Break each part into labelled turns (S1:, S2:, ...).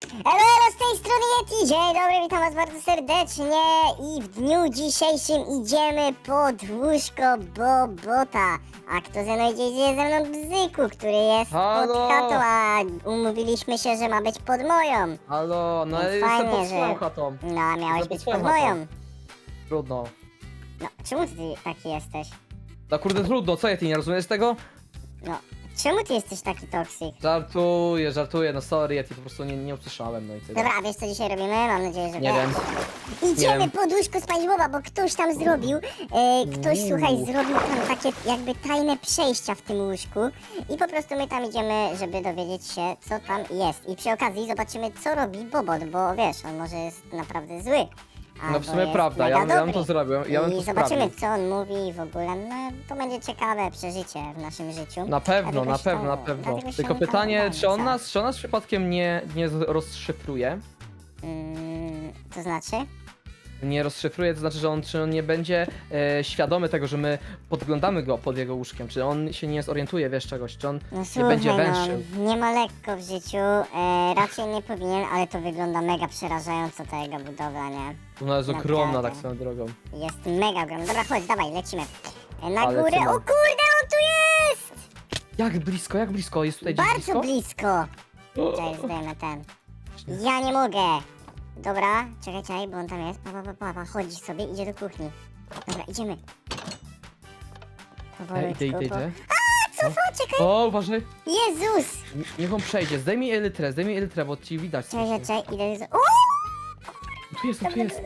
S1: Elo, z tej strony Yeti, dzień dobry, witam was bardzo serdecznie i w dniu dzisiejszym idziemy pod łóżko Bobota. A kto ze mną idzie? Idzie ze mną Bzyku, który jest
S2: Halo?
S1: pod chatą, a umówiliśmy się, że ma być pod moją.
S2: Halo, no
S1: No
S2: ja jestem
S1: fajnie,
S2: pod
S1: że-
S2: swoją chatą.
S1: No, a miałeś
S2: Jestem
S1: być
S2: pod
S1: pod
S2: swoją
S1: moją.
S2: chatą. Trudno.
S1: No, czemu ty taki jesteś?
S2: No kurde, trudno, co ty nie rozumiesz tego?
S1: No, czemu ty jesteś taki toksik?
S2: Żartuję, no sorry, ja ci po prostu nie usłyszałem, no i tyle.
S1: Dobra, wiesz co dzisiaj robimy? Mam nadzieję, że
S2: Nie
S1: wiesz.
S2: wiem.
S1: Idziemy
S2: wiem.
S1: pod łóżko SpongeBoba, bo ktoś tam zrobił, ktoś słuchaj, zrobił tam takie jakby tajne przejścia w tym łóżku i po prostu my tam idziemy, żeby dowiedzieć się, co tam jest. I przy okazji zobaczymy, co robi Bobot, bo wiesz, on może jest naprawdę zły.
S2: No
S1: albo
S2: w sumie
S1: jest
S2: prawda,
S1: mega
S2: ja bym
S1: dobry.
S2: to zrobił, ja bym
S1: I
S2: to
S1: zobaczymy,
S2: sprawdził.
S1: co on mówi w ogóle, no to będzie ciekawe przeżycie w naszym życiu.
S2: Na pewno,
S1: Dlatego
S2: na
S1: się
S2: pewno, na
S1: to-
S2: pewno.
S1: dlatego się
S2: Tylko
S1: nie
S2: pytanie,
S1: podglądamy,
S2: czy on nas przypadkiem nie rozszyfruje?
S1: To znaczy?
S2: Nie rozszyfruje, to znaczy, że czy on nie będzie świadomy tego, że my podglądamy go pod jego łóżkiem, czy on się nie zorientuje, wiesz, czegoś, czy on
S1: No
S2: nie
S1: słuchaj,
S2: będzie węższym.
S1: no, nie ma lekko w życiu, raczej nie powinien, ale to wygląda mega przerażająco ta jego budowla, nie?
S2: Ona jest ogromna,
S1: Naprawdę.
S2: tak swoją drogą.
S1: Jest mega ogromna. Dobra, chodź, dawaj, lecimy. Na
S2: Ale
S1: górę,
S2: lecimy.
S1: o kurde, on tu jest!
S2: Jak blisko, jak blisko? Jest tutaj gdzieś
S1: Bardzo
S2: blisko?
S1: blisko. Cześć, zdejmę ten. Ja nie mogę. Dobra, czekaj, bo on tam jest. Pa, chodzi sobie, idzie do kuchni. Dobra, idziemy. Powolutku,
S2: Idę.
S1: Cofa, czekaj.
S2: O, uważaj.
S1: Jezus!
S2: Niech on przejdzie. Zdejmij elytrę, bo ci widać. strasznie.
S1: Czekaj, idę. O!
S2: Tu jest.
S1: On tu jest.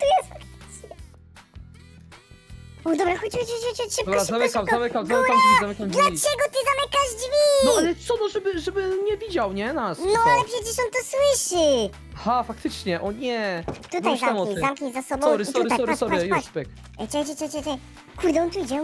S1: O, dobra, chodź, szybko,
S2: Dobra,
S1: szybko, szybko.
S2: zamykam
S1: Góra!
S2: drzwi.
S1: Dlaczego ty zamykasz drzwi?
S2: No ale co, no żeby nie widział, nie? Nas.
S1: No,
S2: co?
S1: ale przecież on to słyszy.
S2: Ha, faktycznie, o nie.
S1: Tutaj
S2: Myślałem o tym.
S1: zamknij za sobą.
S2: Sorry,
S1: i tutaj, patrz,
S2: już
S1: patrz.
S2: pyk.
S1: Ej, czekaj. Kurde, on tu idzie.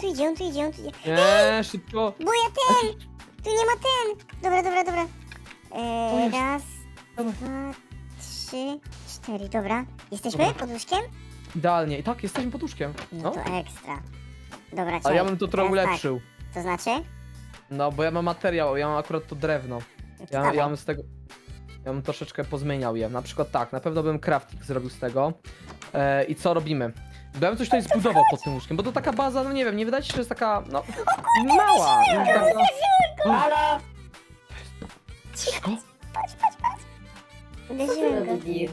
S2: Nie, szybko.
S1: Bo ja ten! Tu nie ma ten! Dobra.
S2: To jest-
S1: Raz,
S2: Dawaj.
S1: 2, 3, 4, dobra. Jesteśmy
S2: Dobra.
S1: pod łóżkiem?
S2: Idealnie. I tak, jesteśmy pod łóżkiem.
S1: No
S2: No.
S1: to ekstra. Dobra,
S2: Ale
S1: czekaj.
S2: ja bym to trochę
S1: teraz
S2: ulepszył.
S1: Tak. To znaczy?
S2: No, bo ja mam materiał, ja mam akurat to drewno. Ja
S1: Dawaj.
S2: bym z tego... Ja bym troszeczkę pozmieniał je. Na przykład tak, na pewno bym crafting zrobił z tego. I co robimy? Bo ja bym coś tutaj zbudował pod tym łóżkiem, bo to taka baza, no nie wiem, nie wydaje ci się, że jest taka, no, mała.
S3: Halo!
S2: Cicho.
S1: Uderzyłem go.
S3: Dirt.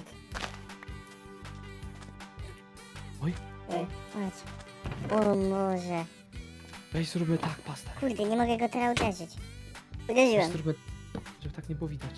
S1: Chodź. O Boże.
S2: Weź zróbmy tak, pastę.
S1: Kurde, nie mogę go teraz uderzyć. Uderzyłem.
S2: Zróbmy, żeby tak nie było widać.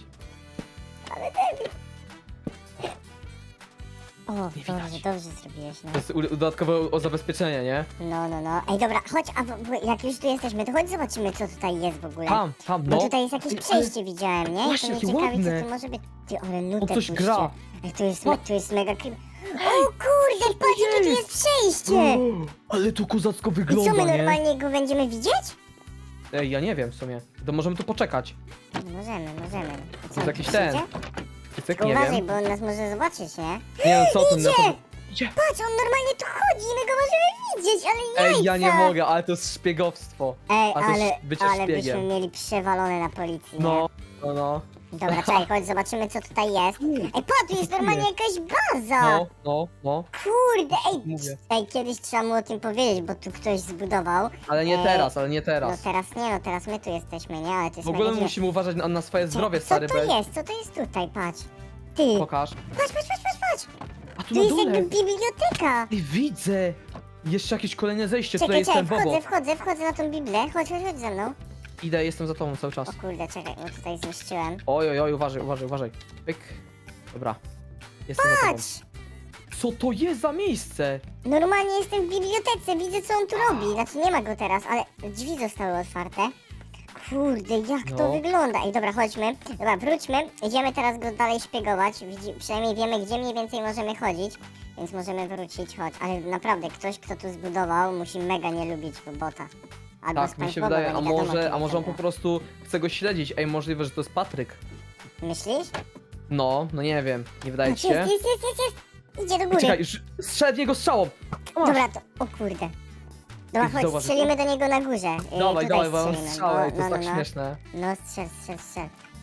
S1: O,
S2: Nie
S1: dobrze
S2: widać.
S1: zrobiłeś, no.
S2: To jest dodatkowe o zabezpieczenie, nie?
S1: No. Ej, dobra, chodź, jak już tu jesteśmy, to chodź zobaczymy, co tutaj jest w ogóle.
S2: Tam,
S1: Bo
S2: no.
S1: tutaj jest jakieś przejście, widziałem, nie?
S2: Właśnie,
S1: To mnie
S2: jakie
S1: ciekawi,
S2: ładne.
S1: co to może być. Ty, ale nutę
S2: coś
S1: puśćcie.
S2: gra.
S1: Ej, to jest mega creep. O kurde, patrz, jakie tu jest przejście!
S2: Ale to kozacko
S1: I co,
S2: wygląda,
S1: my
S2: nie?
S1: normalnie go będziemy widzieć?
S2: Ej, ja nie wiem w sumie. To możemy tu poczekać.
S1: No, możemy. A co,
S2: jest
S1: on
S2: jakiś
S1: tu
S2: ten.
S1: przyjdzie?
S2: Cyk,
S1: Tylko
S2: nie
S1: uważaj,
S2: wiem.
S1: bo on nas może zobaczyć, nie?
S2: Nie no, co ty,
S1: Idzie!
S2: Idzie!
S1: Patrz, on normalnie tu chodzi i my go możemy widzieć, ale jajca!
S2: Ej, ja nie mogę, ale to jest szpiegowstwo.
S1: Ej,
S2: A to jest bycie
S1: ale byśmy
S2: szpiegiem.
S1: mieli przewalone na policji, nie?
S2: No.
S1: Dobra, czekaj, chodź, zobaczymy, co tutaj jest. Ej, patrz, tu jest normalnie jakaś baza!
S2: No.
S1: Kurde,
S2: Mówię.
S1: ej, kiedyś trzeba mu o tym powiedzieć, bo tu ktoś zbudował.
S2: Ale nie
S1: Ej,
S2: teraz,
S1: No teraz nie, no teraz my tu jesteśmy, nie? Ale to jest
S2: W ogóle
S1: mega dziwne.
S2: musimy uważać na swoje zdrowie,
S1: Co
S2: stary.
S1: to jest? Co to jest tutaj? Patrz. Ty,
S2: Pokaż.
S1: patrz.
S2: A tu
S1: Tu
S2: na
S1: jest
S2: dole.
S1: jakby biblioteka.
S2: Ej, widzę. Jeszcze jakieś kolejne zejście, tutaj
S1: Czekaj,
S2: jest ten Bobo.
S1: wchodzę na tą Biblię. Chodź ze mną.
S2: Idę, jestem za tobą cały czas.
S1: O kurde, czekaj, bo tutaj zmieściłem.
S2: Oj, uważaj. Pyk. Dobra. Jestem za tobą.
S1: Patrz!
S2: Co to jest za miejsce?
S1: Normalnie jestem w bibliotece, widzę co on tu robi. Znaczy nie ma go teraz, ale drzwi zostały otwarte. Kurde, jak to
S2: No.
S1: wygląda. Ej, dobra, chodźmy. Dobra, wróćmy. Idziemy teraz go dalej szpiegować. Przynajmniej wiemy, gdzie mniej więcej możemy chodzić. Więc możemy wrócić, chodź. Ale naprawdę, ktoś, kto tu zbudował, musi mega nie lubić bota. Albo
S2: Tak, mi się
S1: SpongeBoba,
S2: wydaje,
S1: bo
S2: a
S1: nie wiadomo,
S2: może,
S1: kim
S2: a może on
S1: to
S2: po prostu chce go śledzić. Ej, możliwe, że to jest Patryk.
S1: Myślisz?
S2: No nie wiem, nie wydaje ci
S1: Jest.
S2: się?
S1: Idzie do
S2: Ej,
S1: góry.
S2: czekaj, strzel w niego strzałą! Masz.
S1: Dobra, to... O kurde. Dobra,
S2: Ty
S1: chodź,
S2: zauważysz
S1: strzelimy do niego na górze.
S2: Dawaj,
S1: tutaj
S2: bo on
S1: strzelimy.
S2: strzał, ej, to jest
S1: no,
S2: tak śmieszne.
S1: No, strzel.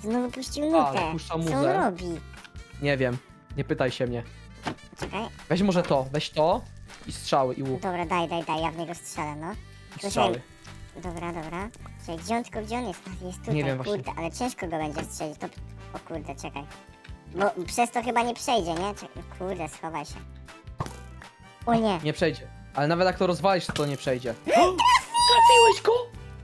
S1: Znowu puścił
S2: Ale
S1: nutę.
S2: puszcza
S1: Co on
S2: muzę.
S1: robi?
S2: Nie wiem, nie pytaj się mnie.
S1: Czekaj.
S2: Weź może to, weź to i strzały i łuk.
S1: Dobra, daj, ja w niego strzelę, no.
S2: I strzały.
S1: Dobra. Czekaj, gdzie on jest? A, jest tutaj,
S2: Nie wiem właśnie.
S1: kurde, ale ciężko go będzie strzelić, to... O kurde, czekaj. Bo przez to chyba nie przejdzie, nie? Czekaj, kurde, schowaj się. O nie.
S2: Nie przejdzie. Ale nawet jak to rozwalisz, to nie przejdzie. Trafiłeś go!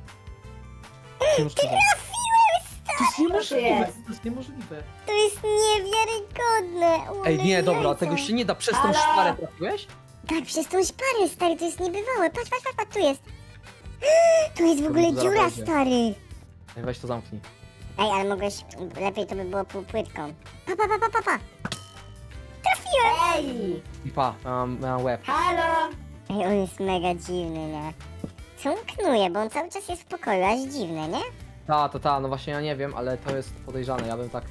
S2: Ty trafiłeś, to jest niemożliwe.
S3: jest?
S2: To jest niemożliwe.
S1: To jest niewiarygodne.
S2: Ej, nie, dobra,
S1: Jajca.
S2: tego się nie da. Przez tą
S3: Halo?
S2: szparę trafiłeś?
S1: Tak, przez tą szparę, stary, to jest niebywałe. Patrz, tu jest. Tu jest w ogóle
S2: zaraz
S1: dziura,
S2: wejdzie.
S1: stary.
S2: Ej, weź to zamknij.
S1: Ej, ale mogłeś... Lepiej to by było półpłytką. Pa. Trafiłem!
S3: Ej!
S2: I pa, mam łeb.
S3: Halo!
S1: Ej, on jest mega dziwny, nie? Co on knuje, bo on cały czas jest w pokoju, aż dziwne, nie?
S2: No właśnie ja nie wiem, ale to jest podejrzane, ja bym tak...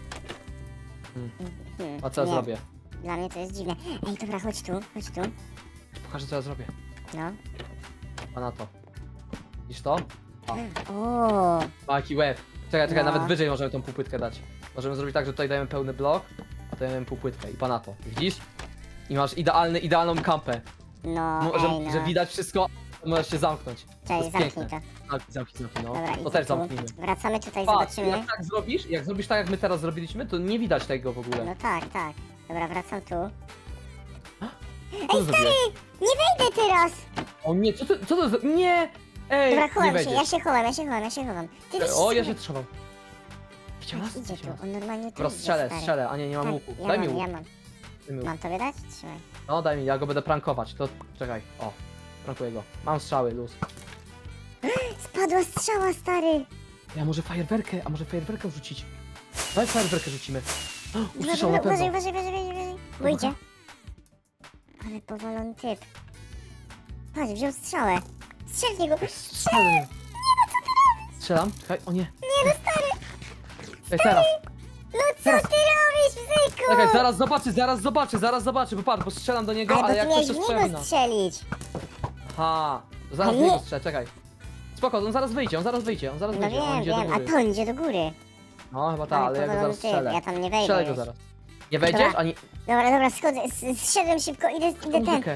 S2: A co ja
S1: nie,
S2: zrobię?
S1: Dla mnie to jest dziwne. Ej, dobra, chodź tu.
S2: Pokażę co ja zrobię.
S1: No.
S2: A na to. Widzisz to?
S1: O,
S2: Ma jaki łeb. Czekaj,
S1: No.
S2: nawet wyżej możemy tą półpłytkę dać. Możemy zrobić tak, że tutaj dajemy pełny blok, a tutaj dajemy półpłytkę i pa na to. Widzisz? I masz idealną kampę.
S1: no,
S2: Że widać wszystko, możesz się zamknąć. To
S1: Czekaj,
S2: jest
S1: zamknij
S2: piękne.
S1: to.
S2: Zamknij, no.
S1: Dobra,
S2: To
S1: idę
S2: też
S1: tu.
S2: zamknijmy.
S1: Wracamy tutaj,
S2: Pa,
S1: zobaczymy.
S2: jak zrobisz tak jak my teraz zrobiliśmy, to nie widać tego w ogóle.
S1: No tak. Dobra, wracam tu.
S2: Co zrobiłeś?
S1: Nie wejdę teraz!
S2: O nie, co to za... Nie! Ej,
S1: Dobra,
S2: nie
S1: chowam się,
S2: wejdziesz.
S1: ja się chowam. Ty też
S2: O, ja
S1: się
S2: się trzymam. Widział nas?
S1: Idzie tu,
S2: Widział nas.
S1: on normalnie tu
S2: Dobra,
S1: idzie, stary.
S2: strzelę, a nie mam
S1: Tak,
S2: łuku.
S1: ja
S2: Daj mi
S1: mam,
S2: łuk.
S1: ja mam.
S2: Daj mi łuk.
S1: Mam tobie dać? Trzymaj.
S2: No daj mi, ja go będę prankować, to czekaj, o, prankuję go. Mam strzały, luz.
S1: Spadła strzała, stary!
S2: Ja może fajerwerkę wrzucić. Daj fajerwerkę rzucimy. Usłyszał na
S1: Uważaj,
S2: pewno.
S1: bo idzie. Ale powalony typ. Patrz, wziął strzałę. Strzel w niego.
S2: Strzelam. Strzelam, czekaj, o nie. Nie, no stary. Ej, teraz.
S1: No co ty robisz, bzyku?
S2: Czekaj, zaraz zobaczy, bo patrz, bo strzelam do niego,
S1: Ale
S2: ale
S1: bo
S2: jak
S1: ty
S2: ktoś
S1: miałeś
S2: to
S1: w niego
S2: strzela.
S1: strzelić.
S2: Aha, to zaraz
S1: Ale
S2: w niego
S1: nie-
S2: strzelę, czekaj. Spoko, on zaraz wyjdzie, on zaraz
S1: No
S2: wyjdzie, on
S1: wiem,
S2: idzie do
S1: wiem, a
S2: góry.
S1: to on idzie do góry.
S2: No chyba tak, ale ja go
S1: powalony
S2: zaraz
S1: typ,
S2: strzelę.
S1: ja tam nie wejdę
S2: Strzelę go
S1: już.
S2: zaraz. Nie wejdziesz?
S1: Dobra.
S2: Ani...
S1: Dobra, schodzę, zszedłem szybko, idę ten.
S2: Muzykę.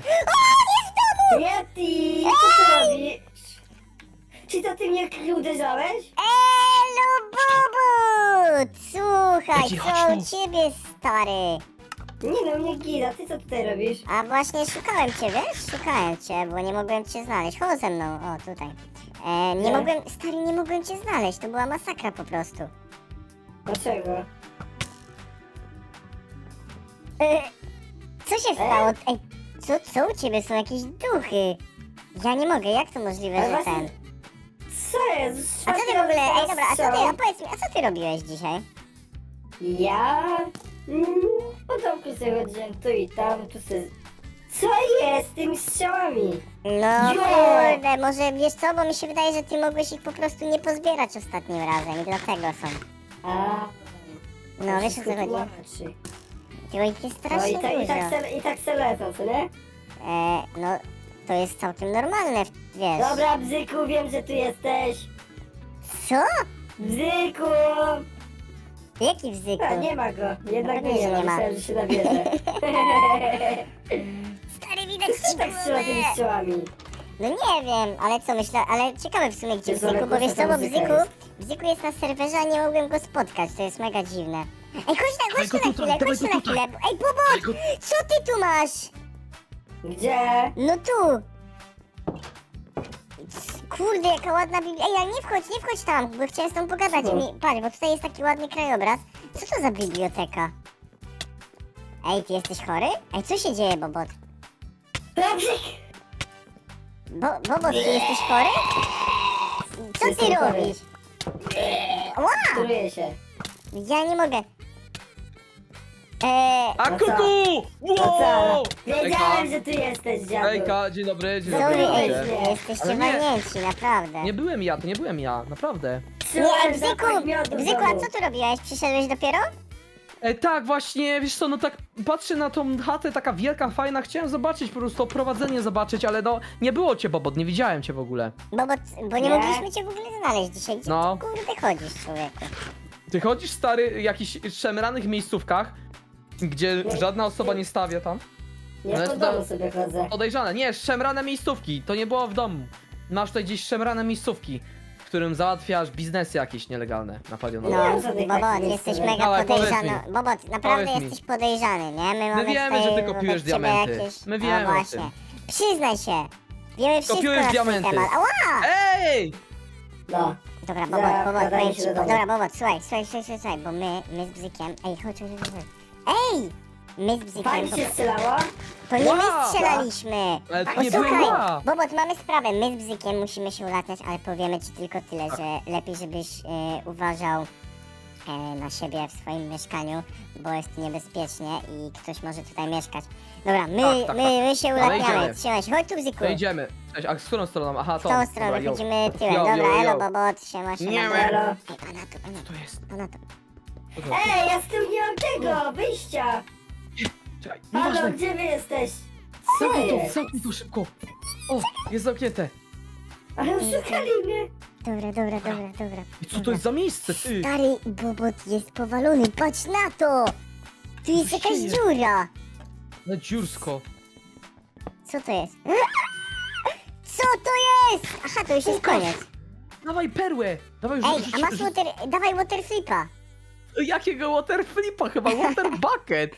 S3: Yeti! Co ty robisz? Czy to ty mnie uderzałeś?
S1: Elu, Bubu! Słuchaj,
S2: Leci,
S1: co
S2: chodź
S1: u
S2: tu.
S1: ciebie, stary?
S3: Nie no, mnie gida, ty co tutaj robisz?
S1: A właśnie szukałem cię, wiesz? Szukałem cię, bo nie mogłem cię znaleźć. Chodź ze mną, o tutaj. Nie
S3: Nie.
S1: mogłem, stary, nie mogłem cię znaleźć, to była masakra po prostu.
S3: Dlaczego?
S1: Co się stało? Ej, co u ciebie są jakieś duchy? Ja nie mogę, jak to możliwe,
S3: Ale
S1: że
S3: właśnie-
S1: ten...
S3: Co jest?
S1: A co ty w ogóle, ej dobra, a powiedz mi, a co ty robiłeś dzisiaj?
S3: Ja? Po domku sobie chodziłem tu i tam, tu se... Co jest z tymi strzałami?
S1: No
S3: Nie.
S1: kurde, może wiesz co, bo mi się wydaje, że ty mogłeś ich po prostu nie pozbierać ostatnim razem i dlatego są.
S3: A,
S1: No wiesz o co chodzi?
S3: tłumaczy.
S1: Tylko ich jest
S3: No
S1: strasznie
S3: i
S1: dużo.
S3: tak se lecą, co nie?
S1: No, to jest całkiem normalne, wiesz.
S3: Dobra, Bzyku, wiem, że tu jesteś.
S1: Co?
S3: Bzyku!
S1: Jaki wzyku?
S3: A, nie ma go. Jednak
S1: Pewnie, że
S3: nie ma,
S1: nie ma.
S3: myślałem, że się nabierze.
S1: Stary, widać
S3: Co
S1: ci
S3: tak strzela tymi
S1: głowę.
S3: strzałami?
S1: No nie wiem, ale co myślę, ale ciekawe w sumie gdzie
S3: Jezu, ale
S1: Bzyku, bo wiesz co,
S3: głośna
S1: bo
S3: ta muzyka
S1: Bzyku jest na serwerze, a nie mogłem go spotkać, to jest mega dziwne. Ej, chodź tu na chwilę,
S2: dawaj
S1: chodź tu
S2: go
S1: na
S2: tutaj.
S1: chwilę. Ej, Bobot, co ty tu masz?
S3: Gdzie?
S1: No tu. Kurde, jaka ładna Biblia. Ej, ale nie wchodź tam, bo chciałem z tą pogadać.
S3: Co?
S1: Patrz, bo tutaj jest taki ładny krajobraz. Co to za biblioteka? Ej, ty jesteś chory? Ej, co się dzieje, Bobot?
S3: Bzyk!
S1: Bobot, ty jesteś chory? Co ty
S3: Jestem chory.
S1: robisz? Ła!
S3: Truję się.
S1: Ja nie mogę.
S2: A
S3: No co?
S2: kuku!
S3: No co?
S2: Wow!
S3: Wiedziałem, że tu jesteś, dziadu.
S2: Ejka, dzień dobry, dzień
S1: Sorry,
S2: dobry.
S1: ej,
S3: nie.
S1: jesteście
S2: Ale nie.
S1: walnięci, naprawdę.
S2: Nie byłem ja, to nie byłem ja, naprawdę.
S1: Nie,
S3: Czułem
S1: Bzyku,
S3: zapach miodu w
S1: Bzyku, a
S3: domu.
S1: co tu robiłeś? Przyszedłeś dopiero?
S2: Tak, właśnie, wiesz co, no tak patrzę na tą chatę, taka wielka, fajna, chciałem zobaczyć, po prostu oprowadzenie zobaczyć, ale no, nie było cię, Bobot, nie widziałem cię w ogóle.
S1: Bo nie
S3: Nie.
S1: mogliśmy cię w ogóle znaleźć dzisiaj. Gdzie
S2: No.
S1: ty kurde chodzisz, człowieku?
S2: Ty chodzisz, stary, w jakichś szemranych miejscówkach, gdzie żadna osoba nie stawia tam?
S3: Ja
S2: Ale
S3: po
S2: to-
S3: domu sobie chodzę.
S2: Podejrzane, nie, szemrane miejscówki, to nie było w domu. Masz tutaj gdzieś szemrane miejscówki, w którym załatwiasz biznesy jakieś nielegalne na palionowie.
S3: Nie
S1: No,
S3: mam żadnych
S1: Bobot,
S3: takich
S1: jesteś
S3: miejsc.
S1: mega
S2: Dawaj, powiedz
S1: podejrzany.
S2: mi.
S1: Bobot, naprawdę
S2: Powiedz mi.
S1: jesteś podejrzany, nie? My mamy
S2: wiemy,
S1: tutaj
S2: że ty
S1: wobec
S2: kopiujesz
S1: ciebie
S2: diamenty.
S1: Jakieś...
S2: My wiemy
S1: No
S2: o
S1: właśnie.
S2: tym.
S1: Przyznaj się. Wiemy wszystko
S2: Kopiujesz
S1: na swój
S2: diamenty.
S1: temat. Ała!
S2: Ej!
S3: No.
S1: Dobra,
S3: Za-
S1: Bobot,
S3: gadajmy
S1: powiem
S3: się
S1: ci,
S3: do domu.
S1: dobra, Bobot, słuchaj, bo my z Bzykiem, ej, chodź. Ej! My z Bzykiem,
S3: Pani się strzelała?
S1: to nie my
S2: Wow!
S1: strzelaliśmy.
S2: Ale to nie byłem
S1: Posłuchaj,
S2: ja!
S1: Bobot, mamy sprawę, my z Bzykiem musimy się ulatniać, ale powiemy ci tylko tyle,
S2: Tak.
S1: że lepiej żebyś uważał na siebie w swoim mieszkaniu, bo jest tu niebezpiecznie i ktoś może tutaj mieszkać. Dobra,
S2: Tak.
S1: my się
S2: Ale
S1: ulatniamy,
S2: idziemy.
S1: trzymaj się, chodź tu Bzyku.
S2: To idziemy. Cześć, a z którą stroną? Aha,
S1: W
S2: to.
S1: tą stronę,
S2: Dobra, yo.
S1: chodzimy tyłem,
S2: Yo,
S1: dobra,
S2: yo, yo.
S1: elo Bobot, siema.
S2: Nie,
S1: dobra.
S3: elo.
S1: Ej, pana
S2: Co to jest? Co to?
S3: Ej, ja z tyłu nie mam tego, wyjścia!
S2: Czekaj,
S3: Halo,
S2: nieważne.
S3: gdzie wy jesteś? Co
S2: Zamknij to,
S3: jest?
S2: zamknij to szybko. O, jest zamknięte.
S3: Ale oszukali mnie.
S1: Dobra.
S2: I co to jest za miejsce, ty?
S1: Stary Bobot jest powalony, patrz na to! Tu jest
S2: Co się
S1: jakaś
S2: dzieje?
S1: dziura!
S2: Na dziursko.
S1: Co to jest? Co to jest? Aha, to już jest
S2: Pokaż.
S1: koniec.
S2: Dawaj perłę. Dawaj,
S1: Ej, a masz dawaj waterflipa.
S2: Jakiego waterflipa? Chyba water bucket.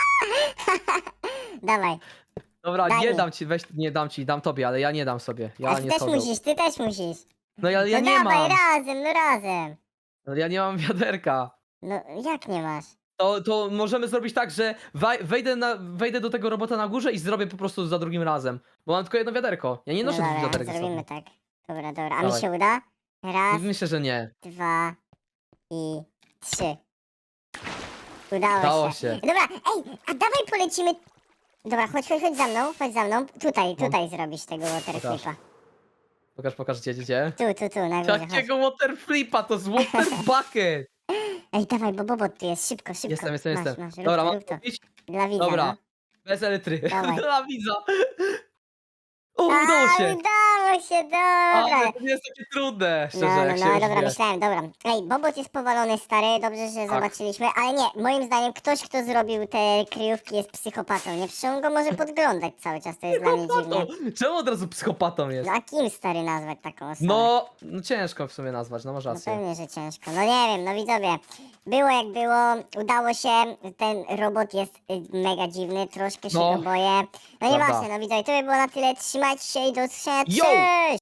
S1: Dawaj.
S2: Dobra,
S1: Daj
S2: nie
S1: mi.
S2: dam ci, weź, nie dam ci, dam tobie, ale ja nie dam sobie.
S1: A
S2: Ja
S1: ty
S2: nie
S1: też
S2: sobie.
S1: musisz, ty też musisz.
S2: No ja
S1: No
S2: nie
S1: dawaj,
S2: mam.
S1: razem.
S2: No ja nie mam wiaderka.
S1: No jak nie masz?
S2: To możemy zrobić tak, że wejdę do tego robota na górze i zrobię po prostu za drugim razem. Bo mam tylko jedno wiaderko. Ja nie noszę
S1: no
S2: dwóch
S1: dobra,
S2: wiaderek ze
S1: zrobimy
S2: sobą.
S1: tak. Dobra, a mi
S2: Dawaj.
S1: się uda? Raz,
S2: Myślę, że nie.
S1: 2 i 3. Udało
S2: Dało
S1: się.
S2: się.
S1: Dobra, ej, a dawaj polecimy. Dobra, chodź chodź za mną. Tutaj zrobisz tego waterflipa.
S2: Pokaż, gdzie.
S1: Tu, na górze, chodź.
S2: Jakiego waterflipa? To jest water bucket.
S1: Ej, dawaj, bo Bobot tu jest, szybko.
S2: Jestem.
S1: Masz,
S2: Dobra, mam
S1: rób to.
S2: mówić?
S1: Dla widza,
S2: Dobra.
S1: no.
S2: Bez elektry.
S1: Dawaj.
S2: Dla widza. O, udało się.
S1: Udało się, dobra.
S2: Ale to nie jest takie trudne, szczerze,
S1: No,
S2: jak się
S1: dobra,
S2: już wie.
S1: myślałem, dobra. Ej, Bobot jest powalony, stary, dobrze, że zobaczyliśmy, ale nie, moim zdaniem ktoś, kto zrobił te kryjówki jest psychopatą, nie? Przecież on go może podglądać cały czas, to jest dla mnie dziwne.
S2: Psychopatą. Czemu od razu psychopatą jest?
S1: No a kim, stary, nazwać taką osobę?
S2: No ciężko w sumie nazwać, no masz
S1: No
S2: rację.
S1: pewnie, że ciężko. No nie wiem, no widzowie. Było jak było, udało się. Ten robot jest mega dziwny, troszkę się
S2: No,
S1: go boję. No
S2: prawda.
S1: nieważne, no widzowie, to by było na tyle. Trzymajcie się i do usłyszenia.
S2: Yo!
S1: Cześć!